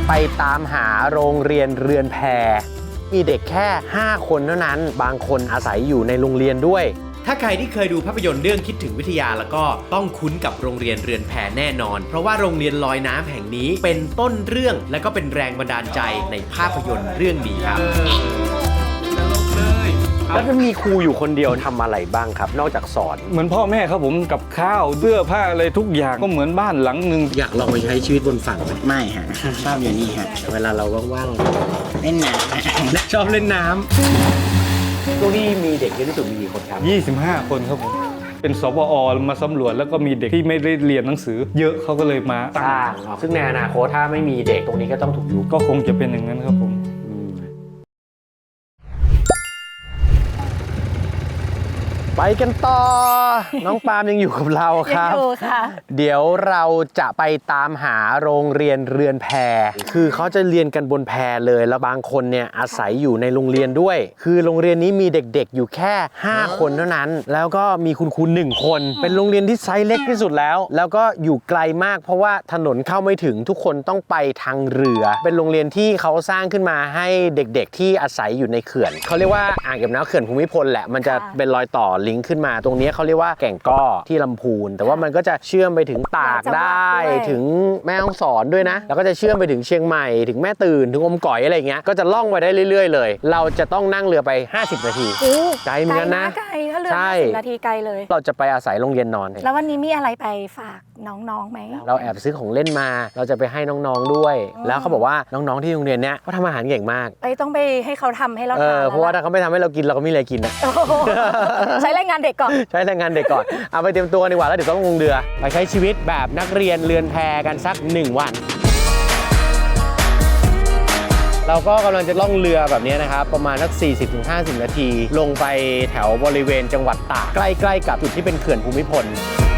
ไปตามหาโรงเรียนเรือนแพมีเด็กแค่5 คนเท่านั้นบางคนอาศัยอยู่ในโรงเรียนด้วยถ้าใครที่เคยดูภาพยนตร์เรื่องคิดถึงวิทยาแล้วก็ต้องคุ้นกับโรงเรียนเรือนแพแน่นอนเพราะว่าโรงเรียนลอยน้ำแห่งนี้เป็นต้นเรื่องและก็เป็นแรงบันดาลใจในภาพยนตร์เรื่องนี้ครับแล้วมันมีครูอยู่คนเดียวทำอะไรบ้างครับนอกจากสอนเหมือนพ่อแม่ครับผมกับข้าวเสื้อผ้าอะไรทุกอย่างก็เหมือนบ้านหลังหนึ่งอยากลองไปใช้ชีวิตบนฝั่งไหมไม่ฮะชอบอยู่นี่ฮะเวลาเราว่างๆเล่นน้ๆชอบเล่นน้ำช่วงที่มีเด็กเยอะที่สุดมีกี่คนครับ 25 คนครับผมเป็นสปอ.มาสำรวจแล้วก็มีเด็กที่ไม่ได้เรียนหนังสือเยอะเขาก็เลยมาสร้างซึ่งในอนาคตถ้าไม่มีเด็กตรงนี้ก็ต้องถูกยุบก็คงจะเป็นอย่างนั้นครับผมไปกันต่อ น้องปาล์มยังอยู่กับเราครับอยู่ค่ะเดี๋ยวเราจะไปตามหาโรงเรียนเรือนแพคือเขาจะเรียนกันบนแพเลยแล้วบางคนเนี่ยอาศัยอยู่ในโรงเรียนด้วยคือโรงเรียนนี้มีเด็กๆอยู่แค่5 คนเท่านั้นแล้วก็มีคุณครู1 คนเป็นโรงเรียนที่ไซส์เล็กที่สุดแล้วก็อยู่ไกลมากเพราะว่าถนนเข้าไม่ถึงทุกคนต้องไปทางเรือเป็นโรงเรียนที่เขาสร้างขึ้นมาให้เด็กๆที่อาศัยอยู่ในเขื่อนเขาเรียกว่าอ่างเก็บน้ำเขื่อนภูมิพลแหละมันจะเป็นรอยต่อลิงก์ขึ้นมาตรงนี้เขาเรียกว่าแก่งก้อที่ลำพูนแต่ว่ามันก็จะเชื่อมไปถึงตากได้ถึงแม่ฮ่องสอนด้วยนะแล้วก็จะเชื่อมไปถึงเชียงใหม่ถึงแม่ตื่นถึงอมก๋อยอะไรเงี้ยก็จะล่องไปได้เรื่อยๆเลยเราจะต้องนั่งเรือไป50 นาทีไกลเหมือนกันนะไกลถ้าเรือ50 นาทีไกลเลยเราจะไปอาศัยโรงเรียนนอนแล้ววันนี้มีอะไรไปฝากน้องๆไหมเราแอบซื้อของเล่นมาเราจะไปให้น้องๆด้วยแล้วเขาบอกว่าน้องๆที่โรงเรียนเนี้ยเขาทำอาหารเก่งมากต้องไปให้เขาทำให้เราทานเพราะว่าถ้าเขาไม่ทำให้เรากินเราก็ไม่มีอะไรกินนะใช้แรงงานเด็กก่อนใช้แรงงานเด็กก่อนเอาไปเตรียมตัวดีกว่าแล้วเดี๋ยวต้องลงเรือไปใช้ชีวิตแบบนักเรียนเรือนแพกันสัก1 วันเราก็กำลังจะล่องเรือแบบนี้นะครับประมาณสัก 40-50 นาทีลงไปแถวบริเวณจังหวัดตากใกล้ๆกับจุดที่เป็นเขื่อนภูมิพล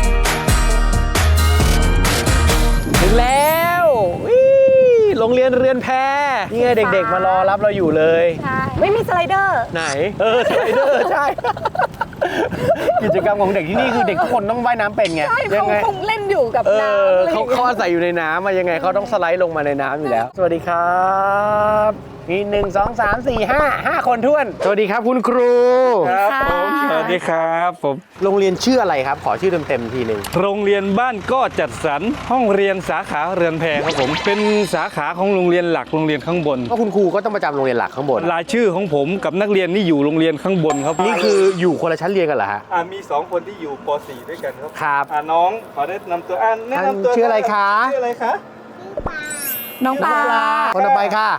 ถึงแล้วโรงเรียนเรือนแพนี่ไงเด็กๆมารอรับเราอยู่เลยใช่ไม่มีสไลเดอร์ไหนสไลเดอร์ใช่กิจกรรมของเด็กที่นี่คือเด็กทุกคนต้องว่ายน้ำเป็นไงยังไงคงเล่นอยู่กับน้ำเขาอาศัยอยู่ในน้ำมายังไงเขาต้องสไลด์ลงมาในน้ำอยู่แล้วสวัสดีครับมี1 2 3 4 5 คนท้วนสวัสดีครับคุณครูครับผมสวัสดีครับผมโรงเรียนชื่ออะไรครับขอชื่อเต็มๆทีนึงโรงเรียนบ้านก็จัดสรรห้องเรียนสาขาเรือนแพครับผมเป็นสาขาของโรงเรียนหลักโรงเรียนข้างบนก็คุณครูก็ต้องประจำโรงเรียนหลักข้างบนรายชื่อของผมกับนักเรียนนี่อยู่โรงเรียนข้างบนครับนี่คืออยู่คนละชั้นเรียนกันเหรอฮะมี2 คนที่อยู่ป .4 ด้วยกันครับครับน้องขอแนะนำตัวแนะนำตัวชื่ออะไรคะชื่ออะไรคะน้องปลาคนต่อไปค่ะ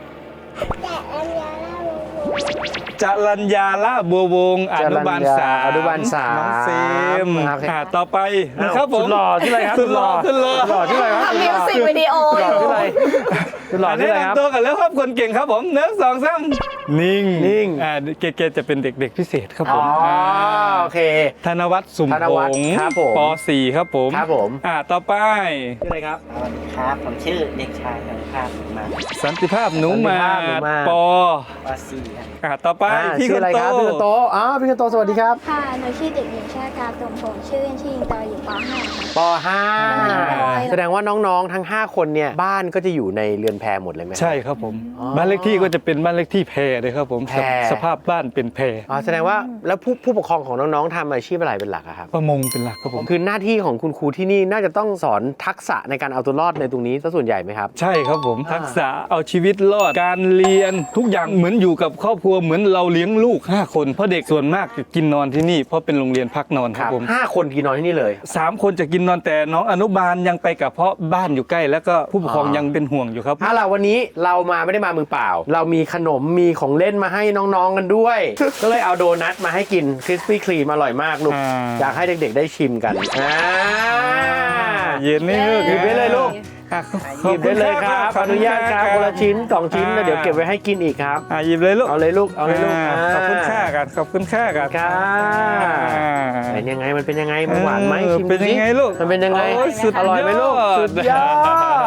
จรัญญาละบัววงอนุบาล3 น้องเฟมต่อไปนะครับผมหล่อที่อะไรครับสุดหล่อที่อะไรครับทำมิวสิกวิดีโออยู่ที่อะไรสุดหล่อที่อะไรครับตัวกันแล้วครับคนเก่งครับผม1 2 3นิ่งเกจะเป็นเด็กพิเศษครับผมโอเคธนวัฒน์สุมพงศ์ป .4 ครับผมต่อไปชื่ออะไรครับสวัสดีครับผมชื่อเด็กชายสันติภาพมาสันติภาพหนูมาป .4 ต่อไปพี่คนโตพี่คนโตพี่คนโตสวัสดีครับค่ะหนูชื่อเด็กหญิงชาติกาตรงผมชื่อเล่นชื่ออิงตออยู่ป .5 ป .5 แสดงว่าน้องๆทั้ง5 คนเนี่ยบ้านก็จะอยู่ในเรือนแพหมดเลยไหมใช่ครับผมบ้านเลขที่ก็จะเป็นบ้านเลขที่แพเลยครับผมสภาพบ้านเป็นแพแสดงว่าแล้วผู้ปกครองของน้องๆทำอาชีพอะไรเป็นหลักครับประมงเป็นหลักครับผมคือหน้าที่ของคุณครูที่นี่น่าจะต้องสอนทักษะในการเอาตัวรอดในตรงนี้ซะส่วนใหญ่ไหมครับใช่ครับผมทักษะเอาชีวิตรอดการเรียนทุกอย่างเหมือนอยู่กับครอบครัวเหมือนเราเลี้ยงลูก5 คนเพราะเด็กส่วนมากจะกินนอนที่นี่เพราะเป็นโรงเรียนพักนอนครับผม 5 คนกินนอนที่นี่เลย 3 คนจะกินนอนแต่น้องอนุบาลยังไปกับเพราะบ้านอยู่ใกล้แล้วก็ผู้ปกครองยังเป็นห่วงอยู่ครับล่ะวันนี้เราไม่ได้มามือเปล่าเรามีขนมมีของเล่นมาให้น้องๆกันด้วย ก็เลยเอาโดนัทมาให้กินคริสปี้ครีมอร่อยมากลูกอยากให้เด็กๆได้ชิมกันเย็นนี่ลูกหยิบได้เลยลูกหยิบได้เลยครับอนุญาตครับคนละชิ้น2 ชิ้นแล้วเดี๋ยวเก็บไว้ให้กินอีกครับหยิบเลยลูกเอาเลยลูกขอบคุณค่ากันขอบคุณค่ากันเป็นยังไงมันเป็นยังไงมันหวานไหมชิมเป็นยังไงลูกมันเป็นยังไงอร่อยไหมลูกสุดยอด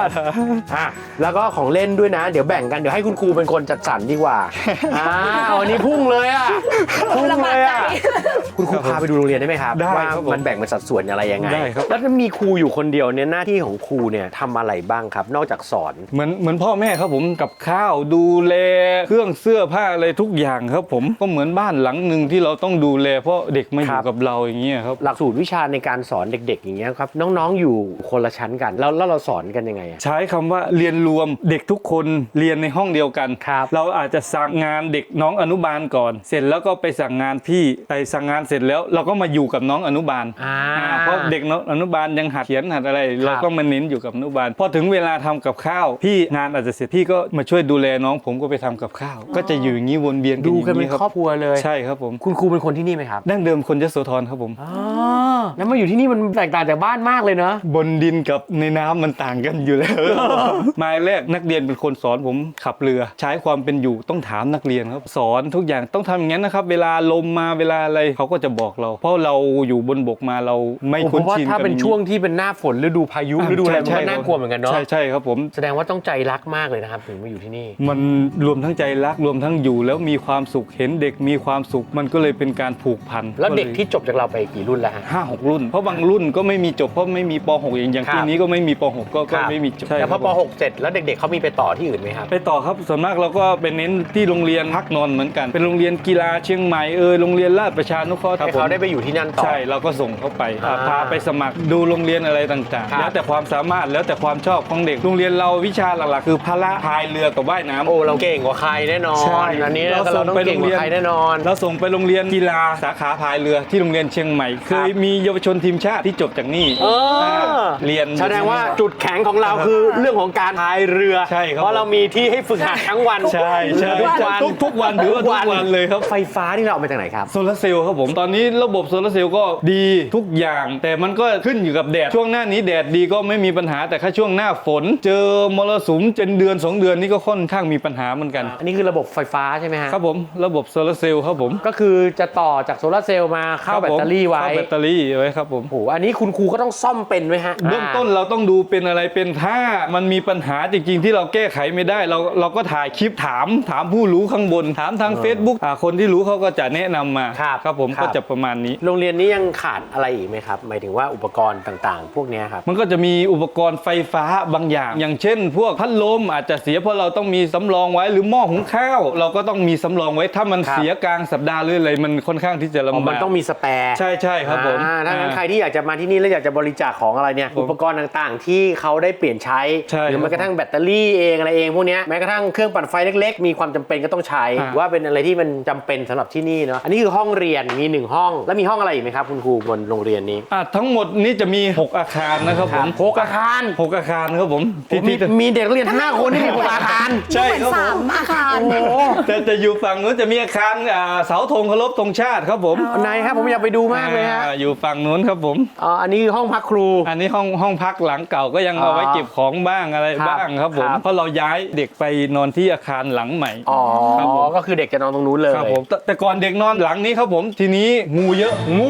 ดอ่ะแล้วก็ของเล่นด้วยนะ เดี๋ยวแบ่งกันเดี๋ยวให้คุณครูเป็นคนจัดสรรดีกว่าเอาอันนี้พุ่งเลยอ่ะพุ่งเลยอ่ะคุณครูพาไปดูโรงเรียนได้ไหมครับได้ว่าครับผมมันแบ่งเป็นสัดส่วนอะไรยังไงได้ครับแล้วถ้ามีครูอยู่คนเดียวเนี่ยหน้าที่ของครูเนี่ยทำอะไรบ้างครับ นอกจากสอนเหมือนพ่อแม่ครับผมกับข้าวดูแลเครื่องเสื้อผ้าอะไรทุกอย่างครับผมก็เหมือนบ้านหลังหนึ่งที่เราต้องดูแลเพราะเด็กมาอยู่กับเราอย่างเงี้ยครับหลักสูตรวิชาในการสอนเด็กๆอย่างเงี้ยครับน้องๆอยู่คนละชั้นกันแล้วเราสอนกันยังไงอะใช้คำว่าเรียนรวมเด็กทุกคนเรียนในห้องเดียวกันครับเราอาจจะสั่งงานเด็กน้องอนุบาลก่อน เสร็จแล้วก็ไปสั่งงานพี่ไปสั่งงานเสร็จแล้วเราก็มาอยู่กับน้องอนุบาลเพราะเด็กน้องอนุบาลยังหัดเขียนหัดอะไร เราก็มาเน้นอยู่กับอนุบาลพอถึงเวลาทำกับข้าวพี่งานอาจจะเสร็จพี่ก็มาช่วยดูแลน้องผมก็ไปทำกับข้าวก็จะอยู่อย่างนี้วนเวียนดูกันเป็นย่างครอบครัวเลยใช่ครับผมคุณครูเป็นคนที่นี่ไหมครับดั้งเดิมคนยโสธรครับผมแล้วมาอยู่ที่นี่มันแตกต่างจากบ้านมากเลยเนอะบนดินกับในน้ำมันต่างกันอยู่แล้ว หมายแรกนักเรียนเป็นคนสอนผมขับเรือ ใช้ความเป็นอยู่ต้องถามนักเรียนครับสอนทุกอย่างต้องทำอย่างนั้นนะครับเวลาลมมาเวลาอะไรเขาก็จะบอกเรา เพราะเราอยู่บนบกมาเราไม่เพคุ้นราะว่าชินถ้าเป็นกับช่วงที่เป็นหน้าฝนฤดูพายุฤดูอะไรมันใช่ก็น่ากลัวเหมือนกันเนาะใช่ครับผมแสดงว่าต้องใจรักมากเลยนะครับถึงมาอยู่ที่นี่มันรวมทั้งใจรักรวมทั้งอยู่แล้วมีความสุขเห็นเด็กมีความสุขมันก็เลยเป็นการผูกพันแล้วเด็กที่จบจากเราไปกี่รุ่นแล้วฮะ 5-6 รุ่น เพราะบางรุ่นก็ไม่มีจบเพราะไม่มีป .6 อย่างครับปีนี้ก็ไม่มีป .6 ก็ไม่มีจบแต่พอครับปผม .6 เสร็จแล้วเด็กๆเขามีไปต่อที่อื่นไหมครับไปต่อครับส่วนมากเราก็ไปเน้นที่โรงเรียนพักนอนเหมือนกันเป็นโรงเรียนกีฬาเชียงใหม่โรงเรียนราชประชานุเคราะห์ให้เขาได้ไปอยู่ที่นั่นต่อใช่เราก็ส่งเขาไปอ่าพาไปสมัครดูโรงเรียนอะไรต่างครับๆแล้วแต่ความสามารถแล้วแต่ความชอบของเด็กโรงเรียนเราวิชาหลักๆคือพละพายเรือกับว่ายน้ำโอ้เราเก่งกว่าใครแน่นอนใช่อันนี้เราเราส่งต้องไปเก่งกว่าใครแน่นอนเราส่งไปโรงเรียนกีฬาสาขาพายเรือที่โรงเรียนเชียงใหม่เคยมีเยาวชนทีมชาติที่จบจากนี่เรียนแสดงว่าจุดแข็งของเราคือเรื่องของการพายเรือใช่ครับเพราะเรามีที่ให้ฝึกหัดทั้งวันใช่ใช่ทุกวันทุกวันถือว่าทุกวันเลยครับไฟฟ้าที่เราเอามาจากไหนครับโซลาร์เซลล์ครับผมตอนนี้ระบบโซลาร์เซลล์ก็ดีทุกอย่าง แต่มันก็ขึ้นอยู่กับแดดช่วงหน้านี้แดดดีก็ไม่มีปัญหาแต่ถ้าช่วงหน้าฝน เจอมรสุมเป็นเดือน 2 เดือนนี่ก็ค่อนข้างมีปัญหาเหมือนกันอันนี้คือระบบไฟฟ้าใช่ไหมฮะครับผมระบบโซลาร์เซลล์ครับผมก็คือจะต่อจากโซลาร์เซลล์มาเข้าแบตเตอรี่ไว้เข้าแบตเตอรี่ไว้ครับผมโอ้โหอันนี้คุณครูก็ต้องซ่อมเป็นไหมฮะเบื้องต้นเราต้องดูเป็นอะไรเป็นถ้ามันมีปัญหาจริงๆที่เราแก้ไขไม่ได้เราก็ถ่ายคลิปถามผู้รู้ข้างบนถามทาง Facebook คนที่รู้เขาก็จะแนะนำมาครับผมก็จะประมาณนี้โรงเรียนนี้ยังขาดอะไรอีกไหมครับหมายถึงว่าอุปกรณ์ต่างๆ พวกเนี้ยครับมันก็จะมีอุปกรณ์ไฟฟ้าบางอย่าง อย่างเช่น พวกพัดลมอาจจะเสียเพราะเราต้องมีสำรองไว้หรือหม้อหุงข้าว เราก็ต้องมีสำรองไว้ถ้ามันเสียกลางสัปดาห์หรืออะไรมันค่อนข้างที่จะลำบากมันต้องมีสแปร์ใช่ครับผมถ้างั้นใครที่อยากจะมาที่นี่แล้วอยากจะบริจาคของอะไรเนี่ยอุปกรณ์ต่างๆ ที่เขาได้เปลี่ยนใช้ใช่หรือแม้กระทั่งแบตเตอรี่เองอะไรเองพวกเนี้ยแม้กระทั่งเครื่องปั่นไฟเล็กๆ มีความจำเป็นก็ต้องใช้ว่าเป็นอะไรที่มันจำเป็นสำหรับที่นี่เนาะอันนี้คือห้องเรียนมี1ห้องแล้วมีห้องอะไรอีกไหมครับคุณครูบนโรงเรียนนี้ทั้งหมดนี้จะมี 6 อาคารนะครับผม 6 อาคาร 6 อาคารครับผมมีเด็กนักเรียน5 คนที่มี6 อาคารใช่เหมือนครับผม 3 อาคารแต่จะอยู่ฝั่งนู้นจะมีอาคารเสาธงเคารพธงชาติครับผมไหนครับผมอยากไปดูมากเลยฮะอยู่ฝั่งนู้นครับผมอันนี้ห้องพักครูอันนี้ห้องพักหลังเก่าก็ยังเอาไว้เก็บของบ้างอะไรครับบ้างครับผมครับเพราะเราย้ายเด็กไปนอนที่อาคารหลังใหม่ ครับผมก็คือเด็กจะนอนตรงนู้นเลยครับผมแต่ก่อนเด็กนอนหลังนี้ครับผมทีนี้งูเยอะงู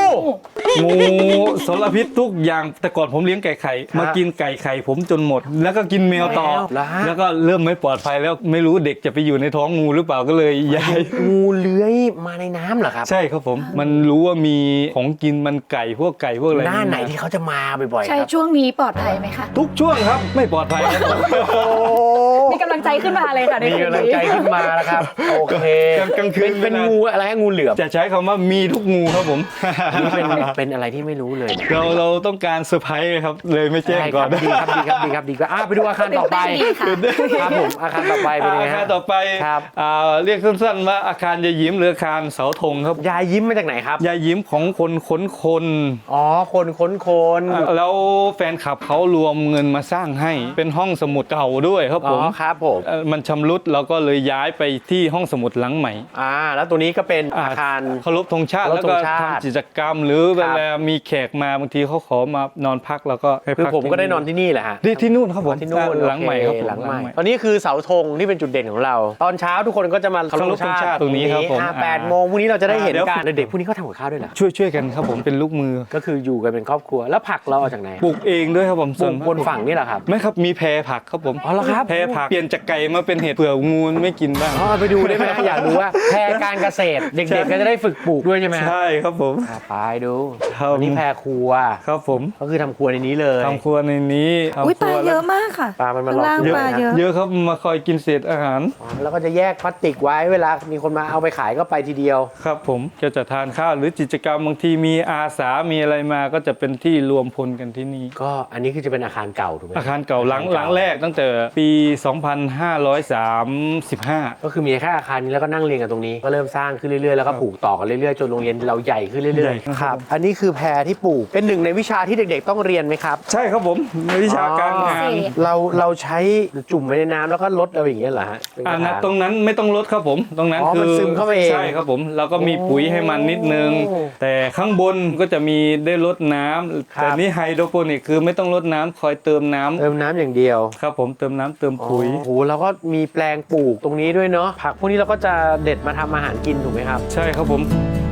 สารพิษทุกอย่างแต่ก่อนผมเลี้ยงไก่ไข่มากินไก่ไข่ผมจนหมด แล้วก็กินแมวต่อ แล้วก็เริ่มไม่ปลอดภัยแล้วไม่รู้เด็กจะไปอยู่ในท้องงูหรือเปล่าก็เลยย้ายงูเลื้อยมาในน้ำเหรอครับใช่ครับผมมันรู้ว่ามีของกินมันไก่พวกอะไรหน้าไหนที่เขาจะมาบ่อยๆใช่ครับช่วงนี้ปลอดภัยไหมคะทุกช่วงครับไม่ปลอดภัยครับมีกำลังใจขึ้นมาเลยค่ะในมีคืนกำลังนี้ใจขึ้นมาแล้วครับโอเคกลางคืนเป็นงูอะไรฮะงูเหลือมจะใช้คำว่ามีทุกงูครับผมนี่เป็นอะไรที่ไม่รู้เลยเราต้องการเซอร์ไพรส์ครับเลยไม่แจ้งก่อนดีครับดีครับไปดูอาคารต่อไปตื่นเต้นดีค่ะครับผมอาคารต่อไปเป็นยังไงอาคารฮะต่อไปครับเรียกสั้นๆว่าอาคารยายยิ้มหรืออาคารเสาธงครับยายยิ้มมาจากไหนครับยายยิ้มของคนค้นคนอ๋อคนค้นคนแล้วแฟนคลับเขารวมเงินมาสร้างให้เป็นห้องสมุดเก่าด้วยครับผมครับผมมันชำรุดเราก็เลยย้ายไปที่ห้องสมุดหลังใหม่แล้วตัวนี้ก็เป็นอาคารเคารพธงชาติเคารพแล้วก็ธงชาติทำกิจกรรม หรือคเวรับลามีแขกมาบางทีเขาขอมานอนพักแล้วก็ให้คือพักผมก็ได้นอนที่นี่แหละฮะที่นู่นครับผมที่นู่นหลังใหม่ครับผมหลังใหม่ตอนนี้คือเสาธงที่เป็นจุดเด่นของเรา ตอนเช้าทุกคนก็จะมาเคารพธงชาติตรงนี้ครับผม 8 โมงพรุ่งนี้เราจะได้เห็นเดี๋ยวกันเด็กๆพวกนี้เขาทำกับข้าวด้วยเหรอช่วยกันครับผมเป็นลูกมือก็คืออยู่กันเป็นครอบครัวแล้วผักเราเอาจากไหนปลูกเองด้วยครับผมปลูกบนฝั่งนี่แหละครับไม่ครับมีแพรผักครับผมอ๋อเหรอครับแพรผักเปลี่ยนจากไก่มาเป็นเห็ดเผื่องูไม่กินบ้างไปดูได้ไหมอยากดูว่าแพรการเกษตร เด็กๆก็จะได้ฝึกปลูกด้วยใช่ไหมใช่ครับผมไปดูครับอันนี้แพรครัวครับผมก็คือทำครัวในนี้เลยทำครัวในนี้อุ้ยทำคปลารัวเยอะมากค่ะปลามันมาข้างล่างเยอะปลานะเยอะเยอะครับมาคอยกินเศษอาหารแล้วก็จะแยกพลาสติกไว้เวลามีคนมาเอาไปขายก็ไปทีเดียวครับผมก็จะทานข้าวหรือกิจกรรมบางทีมีอาสามีอะไรมาก็จะเป็นที่รวมพลกันที่นี่ก็อันนี้คือจะเป็นอาคารเก่าถูกไหมอาคารเก่าหลังแรกตั้งแต่ปี 2535 ก็คือมีแค่อาคารนี้แล้วก็นั่งเรียนกันตรงนี้ก็เริ่มสร้างขึ้นเรื่อยๆแล้วก็ปลูกต่อกันเรื่อยๆจนโรงเรียนเราใหญ่ขึ้นเรื่อยใหญ่ๆครับอันนี้คือแพรที่ปลูกเป็นหนึ่งในวิชาที่เด็กๆต้องเรียนไหมครับใช่ครับผมในวิชาการงานเราใช้จุ่มไว้ในน้ำแล้วก็ลดเอาอย่างเงี้ยเหรอฮะเป็นกระถางตรงนั้นไม่ต้องลดครับผมตรงนั้นมันซึมเข้าไปเองใช่ครับผมเราก็มีปุ๋ยให้มันนิดนึงโอ้แต่ข้างบนก็จะมีได้ลดน้ำครับแต่นี่ไฮโดรโปนิกคือไม่ต้องลดน้ำคอยเติมน้ำเติมน้ำอย่างเดียวครับผมเติมน้ำเติมปุ๋ยโอ้โหแล้วก็มีแปลงปลูกตรงนี้ด้วยเนาะผักพวกนี้เราก็จะเด็ดมาทำอาหารกินถูกไหมครับใช่ครับผม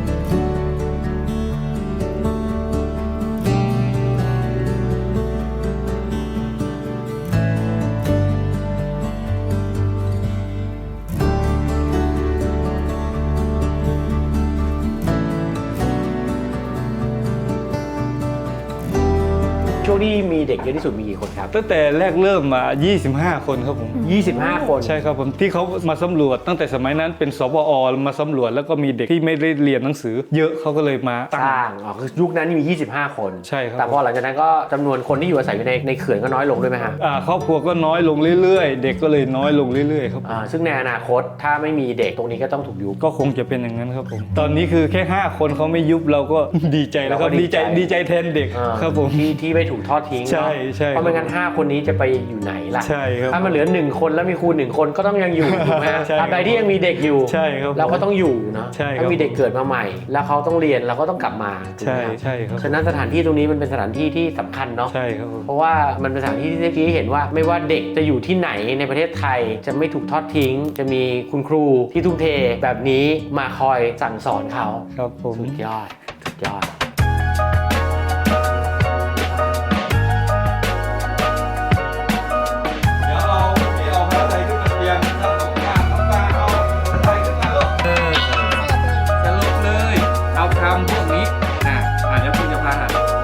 ช่วงที่มีเด็กเยอะที่สุดมีกี่คนครับตั้งแต่แรกเริ่มมา 25 คนครับผม 25 คนใช่ครับผมที่เขามาสำรวจตั้งแต่สมัยนั้นเป็นสปอมาสำรวจแล้วก็มีเด็กที่ไม่ได้เรียนหนังสือ เยอะเขาก็เลยมาสร้างคือยุคนั้นมี 25 คนใช่ครับแต่พอหลังจากนั้นก็จำนวนคนที่อยู่อาศัยอยู่ในเขื่อนก็น้อยลงด้วยไหมฮะครอบครัวก็น้อยลงเรื่อยๆ เด็กก็เลยน้อยลงเรื่อยๆครับผมซึ่งในอนาคตถ้าไม่มีเด็กตรงนี้ก็ต้องถูกยุบก็คงจะเป็นอย่างนั้นครับผม ตอนนี้คือแค่ 5 คนเขาไม่ยุบเราก็ ดีใจแล้วครับเราก็ดีใจดีใจแทนเด็กครับผมที่ไม่ถูกทอดทิ้งใช่ใช่เพราะไม่งั้น 5 คนนี้จะไปอยู่ไหนล่ะใช่ครับถ้ามันเหลือ 1 คนแล้วมีครู1 คนก็ต้องยังอยู่ถูกไหมฮะใช่ตราบใดที่ยังมีเด็กอยู่ใช่ครับเราก็ต้องอยู่เนาะใช่ครับถ้ามีเด็กเกิดมาใหม่ แล้วเขาต้องเรียนเราก็ต้องกลับมาถูกไหมใช่ครับใช่ครับฉะนั้นสถานที่ตรงนี้มันเป็นสถานที่ที่สำคัญเนาะใช่ครับผมเพราะว่ามันเป็นสถานที่ที่ชี้ให้เห็นว่าไม่ว่าเด็กจะอยู่ที่ไหนในประเทศไทยจะไม่ถูกทอดทิ้ง จะมีคุณครูที่ทุ่มเทแบบนี้มาคอยสั่งสอนเขาครับผมสุดยอดสุดยอดเดี๋ยวเอาพี่เอาผ้าไทยขึ้นมาเตรียมครับผมปลาเอาผ้าไทยขึ้นมาลูกสรุปเลย เอาคำพวกนี้เดี๋ยวคุณจะพา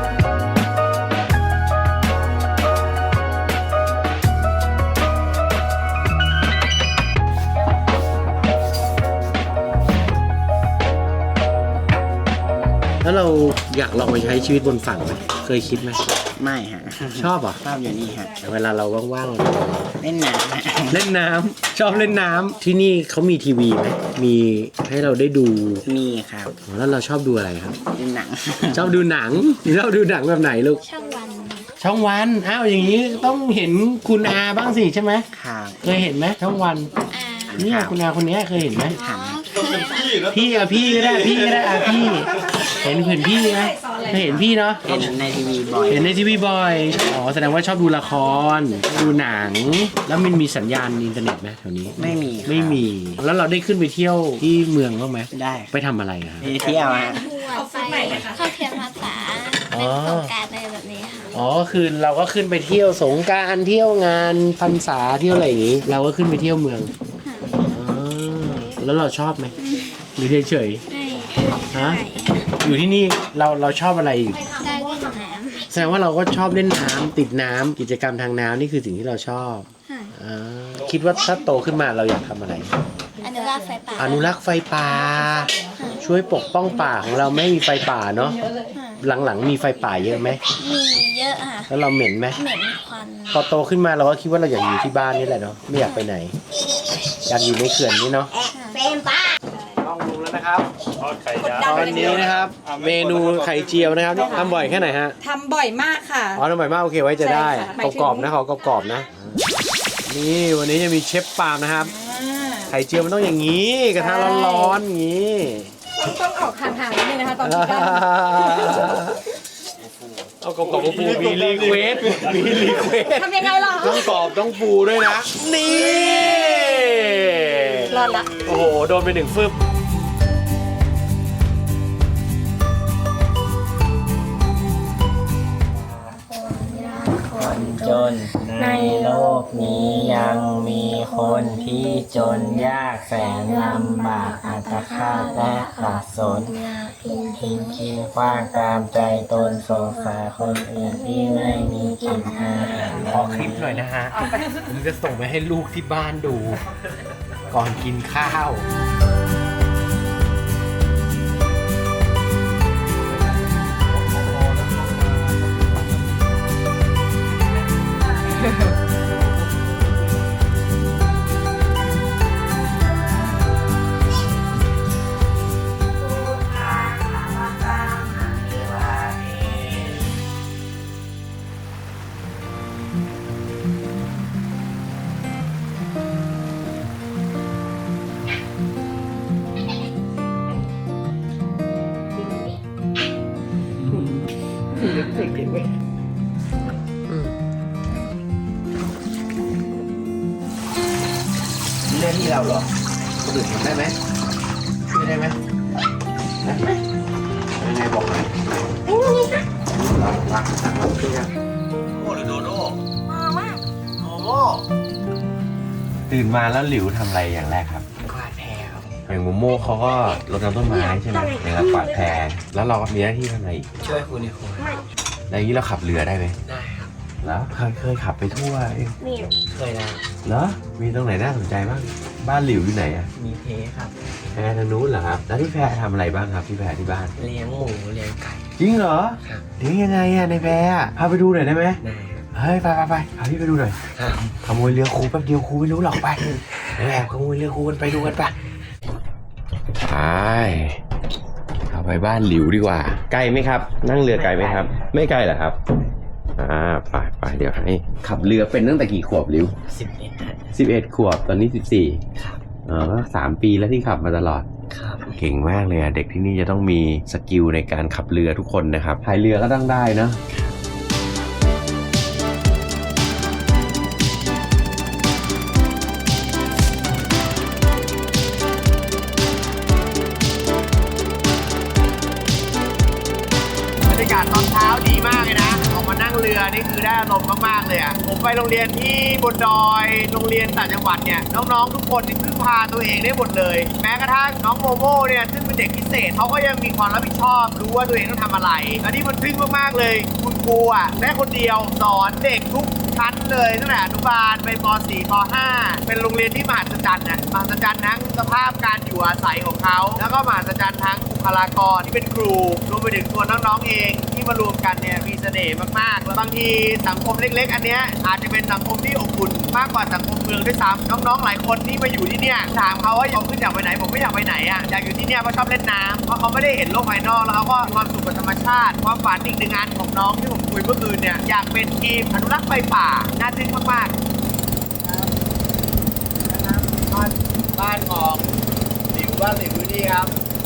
แล้วเราอยากลองไปใช้ชีวิตบนฝั่งไหมเคยคิดไหมไม่ฮะชอบเหรอชอบอยู่นี่ฮะเวลาเราว่างเล่นน้ำฮะๆ เล่นน้ำชอบเล่นน้ำที่นี่เขามีทีวีไหมมีให้เราได้ดูมีครับแล้วเราชอบดูอะไรครับดูหนังชอบดูหนังชอบดูหนังแบบไหนลูกช่องวันช่องวันอ้าวอย่างนี้ต้องเห็นคุณอาบ้างสิใช่ไหมครับเคยเห็นไหมช่องวัน เนี่ยคุณอาคนเนี้ยเคยเห็นไหมหันพี่อะพี่ก็ได้พี่ก็ได้อะพี่เห็นพี่ไหมเคยเห็นพี่เนาะเห็นในทีวีบ่อยเห็นในทีวีบ่อยอ๋อแสดงว่าชอบดูละครดูหนัง แล้วมันมีสัญญาณอินเทอร์เน็ตไหมแถวนี้ไม่มีครับไม่มีแล้วเราได้ขึ้นไปเที่ยวที่เมืองบ้างไหมได้ไปทำอะไรอะครับไปเที่ยวฮะทัวร์ไปเข้าเทียมภาษาอ๋เป็อนโครงการอะไรแบบนี้ค่ะอ๋อคือเราก็ขึ้นไปเที่ยวสงกรานต์เที่ยวงานพรรษาเที่ยวอะไรอย่างงี้ เราก็ขึ้นไปเที่ยวเมืองอ๋อแล้วเราชอบไหมหรือเฉยให้ๆฮะอยู่ที่นี่เราชอบอะไรอยู่ได้เล่นน้แสดงว่าเราก็ชอบเล่นน้ำติดน้ำกิจกรรมทางน้ำนี่คือสิ่งที่เราชอบำค่ะอ่าคิดว่าถ้าโตขึ้นมาเราอยากทำอะไรอนุรักษ์ไฟป่าอนุรักษ์ไฟป่า ช่วยปกป้องป่าของเราไม่ให้มีไฟป่าเนาะค่ะหลังๆมีไฟป่าเยอะไหมมีเยอะค่ะแล้วเราเหม็นไหมเหม็นควันพอโตขึ้นมาเราก็คิดว่าเราอยากอยู่ที่บ้านนี่แหละเนาะไม่อยากไปไหน อยากอยู่ในเขื่อนนี่เนาะเป็นป้าต้องลงแล้วนะครับทอดไข่ดาวตอนนี้นะครับ เมนูไข่เจียวนะครับทำบ่อยแค่ไหนฮะทำบ่อยมากค่ะอ๋อทำบ่อยมากโอเคไว้จะได้ใช่ค่ะหมายถึงกรอบๆนะขอกรอบๆนะนี่วันนี้จะมีเชฟปาล์มนะครับไข่เจียวมันต้องอย่างนี้กระทะร้อนๆอย่างนี้ต้องออกห่างๆนิดนึงนะคะตอนที่กั้นเอากรอบๆฟูมีรีเควสมีรีเควสทำยังไงล่ะต้องกรอบต้องฟูด้วยนะ นี่รอดละโอ้โห โดนไป1 ฟึบคนจนในโลกนี้ยังมีคนที่จนยากแสนลำบากอัตฆาตและขัดสนทิ้งขี้ขว้างตามใจตนสงสารคนอื่นที่ไม่มีกินอาหารขอคลิปหน่อยนะฮะ ผมจะส่งไปให้ลูกที่บ้านดู ก่อนกินข้าวเรื่องที่เราหรอคนอื่นทำได้ไหมช่วยได้ไหมได้ไหมยังไงบอกหน่อยเรารักสั่งเราช่วยกันโอ้หรือโดโด้โอ้โหตื่นมาแล้วหลิวทำอะไรอย่างแรกครับกวาดแพรครับอย่างโมโม่เขาก็รดน้ำต้นไม้ใช่ไหมแล้วกวาดแพรแล้วเราก็มีหน้าที่ทำอะไรอีกช่วยคุณในครัวแล้วอย่างนี้เราขับเรือได้ไหมได้ครับแล้วเคยขับไปทั่วเองเคยนะเหรอมีตรงไหนน่าสนใจบ้างบ้านหลิวอยู่ไหนอะมีเพครับแพรทางนู้นเหรอครับแล้วที่แพรทำอะไรบ้างครับที่แพรที่บ้านเลี้ยงหมูเลี้ยงไก่จริงเหรอครับเลี้ยงยังไงอะในแพรอะพาไปดูหน่อยได้ไหมได้ครับเฮ้ยไปพาพี่ไปดูหน่อยครับขโมยเรือครูแป๊บเดียวครูไม่รู้หรอกไปแอบขโมยเรือครูกันไปดูกันปะไปเอาไปบ้านหลิวดีกว่าไกลไหมครับ นั่งเรือไกลไหมครับ ไม่ไกลเหรอครับไปเดี๋ยวให้ขับเรือเป็นตั้งแต่กี่ขวบหลิว 11 ขวบตอนนี้ 14 ครับก็3 ปีแล้วที่ขับมาตลอดครับเก่งมากเลยอะเด็กที่นี่จะต้องมีสกิลในการขับเรือทุกคนนะครับพายเรือก็ต้องได้เนอะบรรยากาศตอนเช้าดีมากเลยนะออกมานั่งเรือนี่คือได้อารมณ์มากๆเลยอ่ะผมไปโรงเรียนที่บนดอยโรงเรียนต่างจังหวัดเนี่ยน้องๆทุกคนนี่พึ่งพาตัวเองได้หมดเลย แม้กระทั่งน้องโมโม่เนี่ยซึ่งเป็นเด็กพิเศษเขาก็ยังมีความรับผิดชอบรู้ว่าตัวเองต้องทำอะไรและที่มันทึ่งมากๆเลยคุณครูอ่ะแม่คนเดียวสอนเด็กทุกชั้นเลยตั้งแต่อนุบาลไปป .4 ป .5 เป็นโรงเรียนที่มหัศจรรย์นะมหัศจรรย์ทั้งสภาพการอยู่อาศัยของเขาแล้วก็มหัศจรรย์ทั้งบุคลากรที่เป็นครูรวมไปถึงตัวน้องๆเองที่มารวมกันเนี่ยมีเสน่ห์มากๆแล้วบางทีสังคมเล็กๆอันเนี้ยอาจจะเป็นสังคมที่อบอุ่นมากกว่าสังคมเมืองด้วยซ้ำน้องๆหลายคนที่มาอยู่ที่เนี่ยถามเขาว่าอยากขึ้นอยากไปไหนผมไม่อยากไปไหนอ่ะอยากอยู่ที่เนี่ยเพราะชอบเล่นน้ำเพราะเขาไม่ได้เห็นโลกภายนอกแล้วเขาก็มีความสุขกับธรรมชาติความฝันอีกหนึ่งงานของน้องที่ผมคุยเมื่อคืนเนี่ยอยากเป็นทีมอนุรักษ์ไฟป่าน่าทึ่งมากๆบ้านของหลิวบ้านหลิวนี่ครับ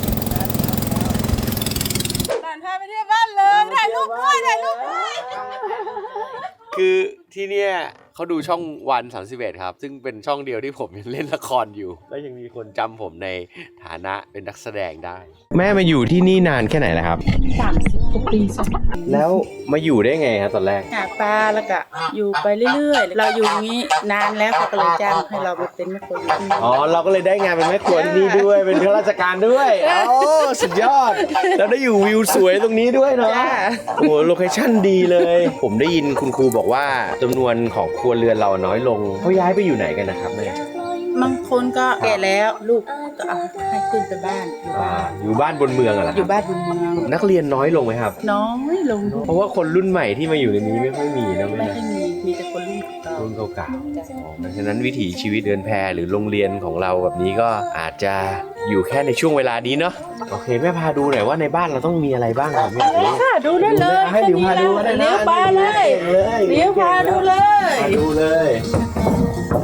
พาไปเที่ยวบ้านเลยถ่ายรูปด้วยถ่ายรูปด้วยคือที่เนี่ยเขาดูช่องวัน31ครับซึ่งเป็นช่องเดียวที่ผมยังเล่นละครอยู่แล้วยังมีคนจำผมในฐานะเป็นนักแสดงได้ แม่มาอยู่ที่นี่นานแค่ไหนแล้วครับ 30 กว่าปีแล้วมาอยู่ได้ไงครับตอนแรกหาปลาแล้วก็อยู่ไปเรื่อยๆเราอยู่อย่างนี้นานแล้วเขาก็เลยจ้างให้เรามาเป็นแม่ครัวอยู่ที่นี่อ๋อเราก็เลยได้งานเป็นแม่ครัวที่นี่ด้วยเป็นข้าราชการด้วยโอ้สุดยอดแล้วได้อยู่วิวสวยตรงนี้ด้วยเนาะโอ้โลเคชั่นดีเลย ผมได้ยินคุณครูบอกว่าจำนวนของครัวเรือนเราน้อยลงเขาย้ายไปอยู่ไหนกันนะครับแม่บางคนก็แก่แล้วลูกก็เอาให้ขึ้นไปบ้านอยู่บ้านอยู่บ้านบนเมืองอะเหรออยู่บ้านบนเมืองนักเรียนน้อยลงไหมครับน้อยลงด้วยเพราะว่าคนรุ่นใหม่ที่มาอยู่ในนี้ไม่ค่อยมีนะไม่แม่ให้มีแต่คนรุ่นเก่ารุ่นเก่าๆเพราะฉะนั้นวิถีชีวิตเดินแพหรือโรงเรียนของเราแบบนี้ก็อาจจะอยู่แค่ในช่วงเวลานี้เนาะโอเคแม่พาดูหน่อยว่าในบ้านเราต้องมีอะไรบ้างครับแม่ค่ะดูได้เลยให้ดิวพาดูก็ได้นะเลี้ยวปลาเลยเลี้ยวพาดูเลยพาดูเลย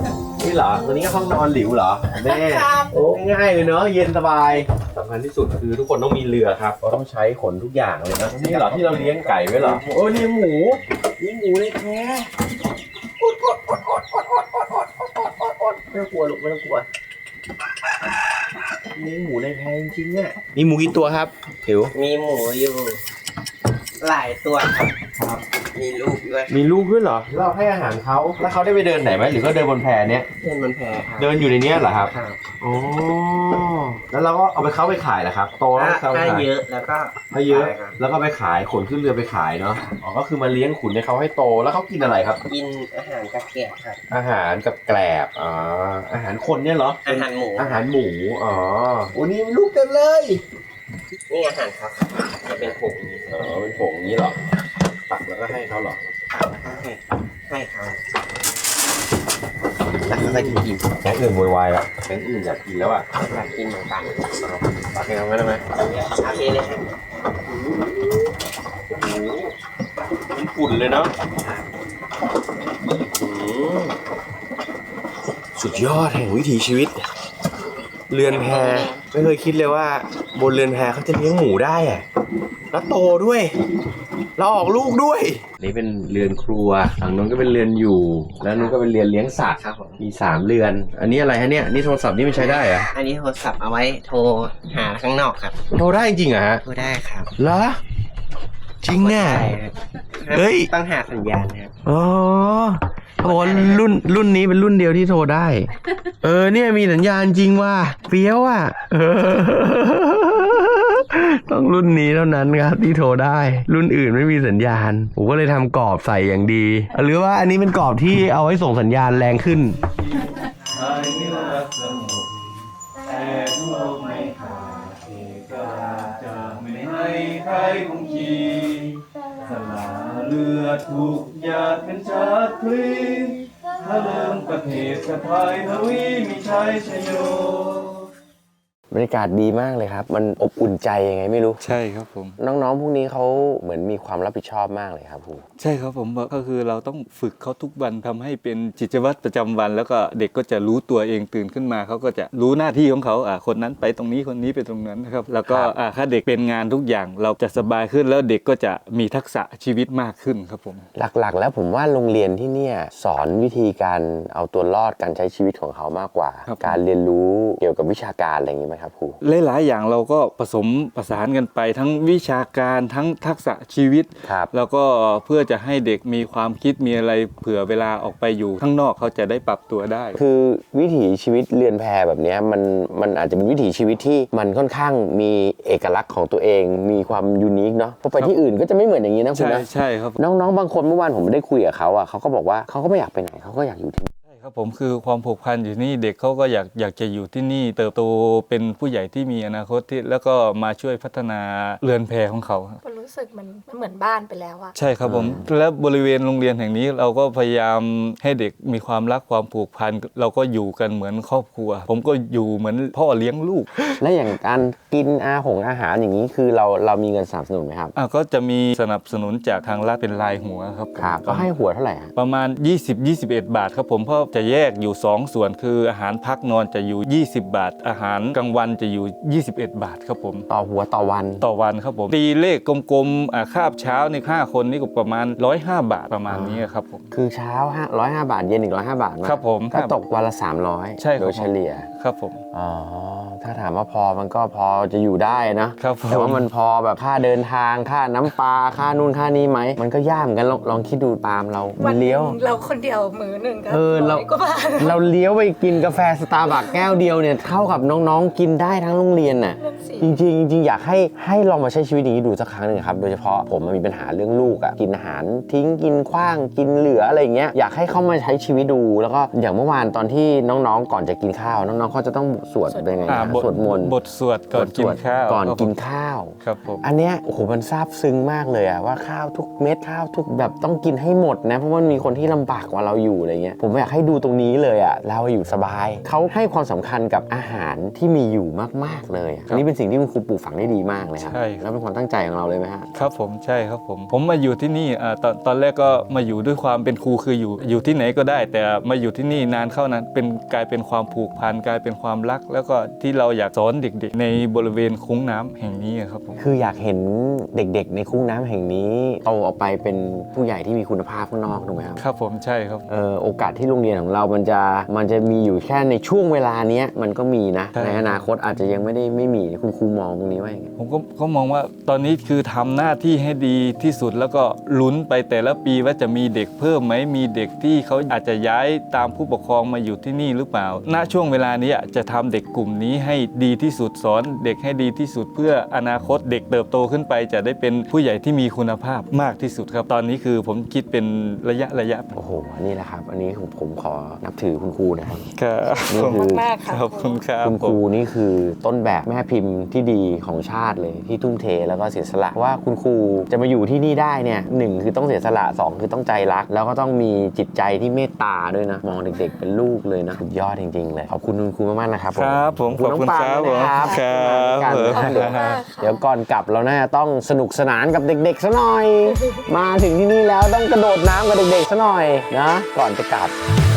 เหรอตัวนี้ก็ห้องนอนหลิวเหรอแม่โอ้ง่ายเลยเนาะเย็นสบายสำคัญที่สุดคือทุกคนต้องมีเรือครับเราต้องใช้ขนทุกอย่างเลยนะนี่เหรอที่เราเลี้ยงไก่ไว้เหรอโอ้เลี้ยงหมูเลยแท้ไม่ต้องกลัวลูกไม่ต้องกลัวเลี้ยงหมูในแพงจริงเนี่ยมีหมูกี่ตัวครับถิวมีหมูอยู่หลายตัวครับมีลูกด้วยมีลูกด้วยเหรอเราให้อาหารเขาแล้วเขาได้ไปเดินไหนไหมหรือก็เดินบนแพเนี้ยเพื่อนบนแพครับเดินอยู่ในเนี้ยเหรอครับครับโอ้แล้วเราก็เอาไปเขาไปขายเหรอครับโตแล้วเขาไปถ้าขายเยอะแล้วก็ถ้าเยอะขครับแล้วก็ไปขายขนขึ้นเรือไปขายเนาะอ๋อก็คือมาเลี้ยงขุนให้เขาให้โตแล้วเขากินอะไรครับกินอาหารกระแกะครับอาหารกับแกลบอ๋ออาหารคนเนี่ยเหรออาหารหมูอาหารหมูอ๋อโอ้นี่ลูกเต็มเลยนี่อาหารครับจะเป็นผงนี้อ๋อเป็นผงอย่างนี้เหรอตักแล้วก็ให้เขาเหรอตักแล้วก็ให้เขาแล้วเขาก็กินแก๊งอื่นโวยวายละแก๊งอื่นอยากกินแล้วอ่ะอยากกินเหมือนกันตักให้เขาไม่ได้ไหมโอเคเลยครับมันฝุ่นเลยเนาะสุดยอดแห่งวิถีชีวิต เรือนแพไม่เคยคิดเลยว่าบนเรือนแพเขาจะเลี้ยงหมูได้อะแล้วโตด้วยแล้วออกลูกด้วยนี่เป็นเรือนครัวฝั่งนู้นก็เป็นเรือนอยู่แล้วนู้นก็เป็นเรือนเลี้ยงสัตว์ครับผมมี3เรือน อันนี้อะไรฮะเนี่ยนี่โทรศัพท์นี่มันใช้ได้เหรออันนี้โทรศัพท์เอาไว้โทรหาข้างนอกครับโทรได้จริงเหรอฮะโทรได้ครับเหรอจริงเนี่ยใช่ครับเฮ้ยต้องหาสัญญาณนะครับอ๋อเขาบอกว่ารุ่นนี้เป็นรุ่นเดียวที่โทรได้ เนี่ยมีสัญญาณจริงว่าเฟี้ยวอ่ะต้องรุ่นนี้เท่านั้นครับที่โทรได้ รุ่นอื่นไม่มีสัญญาณผมก็เลยทำกรอบใส่อย่างดี หรือว่าอันนี้เป็นกรอบที่เอาไว้ส่งสัญญาณแรงขึ้นสละเลือดถูกหยาดเป็นชาติพลีถ้าเริ่มประเทศสะพายทวีมีชัยชโยบรรยากาศดีมากเลยครับ มันอบอุ่นใจยังไงไม่รู้ใช่ครับผมน้องๆพวกนี้เขาเหมือนมีความรับผิดชอบมากเลยครับครูใช่ครับผมก็คือเราต้องฝึกเขาทุกวันทำให้เป็นกิจวัตรประจำวัน แล้วก็เด็กก็จะรู้ตัวเองตื่นขึ้นมาเขาก็จะรู้หน้าที่ของเขาคนนั้นไปตรงนี้คนนี้ไปตรงนั้นนะครับแล้วก็ถ้าเด็กเป็นงานทุกอย่างเราจะสบายขึ้นแล้วเด็กก็จะมีทักษะชีวิตมากขึ้นครับผมหลักๆ แล้วผมว่าโรงเรียนที่เนี่ยสอนวิธีการเอาตัวรอดการใช้ชีวิตของเขามากกว่า การเรียนรู้เกี่ยวกับวิชาการอะไรอย่างนี้ไหมครับครูหลายๆอย่างเราก็ผสมผสานกันไปทั้งวิชาการทั้งทักษะชีวิต แล้วก็เพื่อจะให้เด็กมีความคิดมีอะไรเผื่อเวลาออกไปอยู่ข้างนอกเขาจะได้ปรับตัวได้คือวิถีชีวิตเรือนแพแบบนี้มันอาจจะเป็นวิถีชีวิตที่มันค่อนข้างมีเอกลักษณ์ของตัวเองมีความยูนิคเนาะเพราะไปที่อื่นก็จะไม่เหมือนอย่างนี้นะคุณนะใช่ครับน้องๆบางคนเมื่อวานผมได้คุยกับเขาเขาก็บอกว่าเขาก็ไม่อยากไปไหนเขาก็อยากอยู่ที่นี่ครับผมคือความผูกพันอยู่นี่เด็กเขาก็อยากจะอยู่ที่นี่เติบโตเป็นผู้ใหญ่ที่มีอนาคตที่แล้วก็มาช่วยพัฒนาเรือนแพของเขามันรู้สึกมันเหมือนบ้านไปแล้วอะใช่ครับผมและบริเวณโรงเรียนแห่งนี้เราก็พยายามให้เด็กมีความรักความผูกพันเราก็อยู่กันเหมือนครอบครัวผมก็อยู่เหมือนพ่อเลี้ยงลูกและอย่างการกินอาหารอย่างนี้คือเรามีเงินสนับสนุนไหมครับก็จะมีสนับสนุนจากทางรัฐเป็นรายหัวครับก็ให้หัวเท่าไหร่ประมาณ20-21 บาทครับผมเพราะจะแยกอยู่2ส่วนคืออาหารพักนอนจะอยู่20 บาทอาหารกลางวันจะอยู่21 บาทครับผมต่อหัวต่อวันครับผมตีเลขกลมๆคาบเช้าใน5คนนี่ก็ประมาณ105 บาทประมาณนี้ครับผมคือเช้า105 บาทเย็นอีก105 บาทครับผมก็ตกวันละ300 ใช่โดยเฉลี่ยครับผมถ้าถามว่าพอมันก็พอจะอยู่ได้นะครับแต่ว่ามันพอแบบค่าเดินทางค่าน้ำปลาค่านู่นค่านี้ไหมมันก็ยากเหมือนกันลองคิดดูตามเราเลี้ยวเราคนเดียวมื้อหนึ่งก็เราเลี้ยวไปกินกาแฟสตาร์บัคแก้วเดียวเนี่ยเท่ากับน้องๆกินได้ทั้งโรงเรียนน่ะจริงอยากให้ลองมาใช้ชีวิตอย่างนี้ดูสักครั้งหนึ่งครับโดยเฉพาะผมมีปัญหาเรื่องลูกกินอาหารทิ้งกินขว้างกินเหลืออะไรเงี้ยอยากให้เข้ามาใช้ชีวิตดูแล้วก็อย่างเมื่อวานตอนที่น้องๆก่อนจะกินข้าวน้องๆเขาจะต้องสวดเป็นไงสวดมนต์บทสวดก่อนกินข้าวครับผมอันเนี้ยโอ้โหมันซาบซึ้งมากเลยว่าข้าวทุกเม็ดข้าวทุกแบบต้องกินให้หมดนะเพราะว่ามีคนที่ลำบากกว่าเราอยู่อะไรเงี้ยผมอยากให้ดูตรงนี้เลยอ่ะเราอยู่สบายเขาให้ความสำคัญกับอาหารที่มีอยู่มากๆเลยอันนี้เป็นสิ่งที่คุณครูปลูกฝังได้ดีมากเลยครับใช่แล้วเป็นความตั้งใจของเราเลยไหมฮะครับผมใช่ครับผมมาอยู่ที่นี่ตอนแรกก็มาอยู่ด้วยความเป็นครูคืออยู่ที่ไหนก็ได้ แต่มาอยู่ที่นี่นานเข้านั้นกลายเป็นความผูกพันกลายเป็นความรัก แล้วก็ที่เราอยากสอนเด็กๆในบริเวณคุ้งน้ำแห่งนี้ครับผมคืออยากเห็นเด็กๆในคุ้งน้ำแห่งนี้โตออกไปเป็นผู้ใหญ่ที่มีคุณภาพข้างนอกถูกไหมครับครับผมใช่ครับโอกาสที่โรงเรียนของเรามันจะมีอยู่แค่ในช่วงเวลาเนี้ยมันก็มีนะใช่ในอนาคตอาจจะยังไม่มีคุณครูมองตรงนี้ว่าอย่างไงผมก็มองว่าตอนนี้คือทำหน้าที่ให้ดีที่สุดแล้วก็ลุ้นไปแต่ละปีว่าจะมีเด็กเพิ่มไหมมีเด็กที่เขาอาจจะย้ายตามผู้ปกครองมาอยู่ที่นี่หรือเปล่าณช่วงเวลานี้จะทำเด็กกลุ่มนี้ให้ดีที่สุดสอนเด็กให้ดีที่สุดเพื่ออนาคตเด็กเติบโตขึ้นไป จะได้เป็นผู้ใหญ่ที่มีคุณภาพมากที่สุดครับตอนนี้คือผมคิดเป็นระยะโอ้โหนี่แหละครับ อันนี้ผมขอนับถือคุณครูนะครับครับนี่คือมากๆค่ะขอบคุณครับคุณครูนี่คือต้นแบบแม่พิมพ์ที่ดีของชาติเลยที่ทุ่มเทแล้วก็เสียสละว่าคุณครูจะมาอยู่ที่นี่ได้เนี่ย1คือต้องเสียสละ2คือต้องใจรัก แล้วก็ต้องมีจิตใจที่เมตตาด้วยนะมองเด็กๆเป็นลูกเลยนะสุดยอดจริงๆเลยขอบคุณคุณครูมากๆนะครับครับผมขอบคุณน้องปาครับด้วยนะครับครับขอบคุณมากเดี๋ยวก่อนกลับเราน่าจะต้องสนุกสนานกับเด็กๆซะหน่อย มาถึงที่นี่แล้วต้องกระโดดน้ำกับเด็กๆซะหน่อยนะก่อนจะกลับ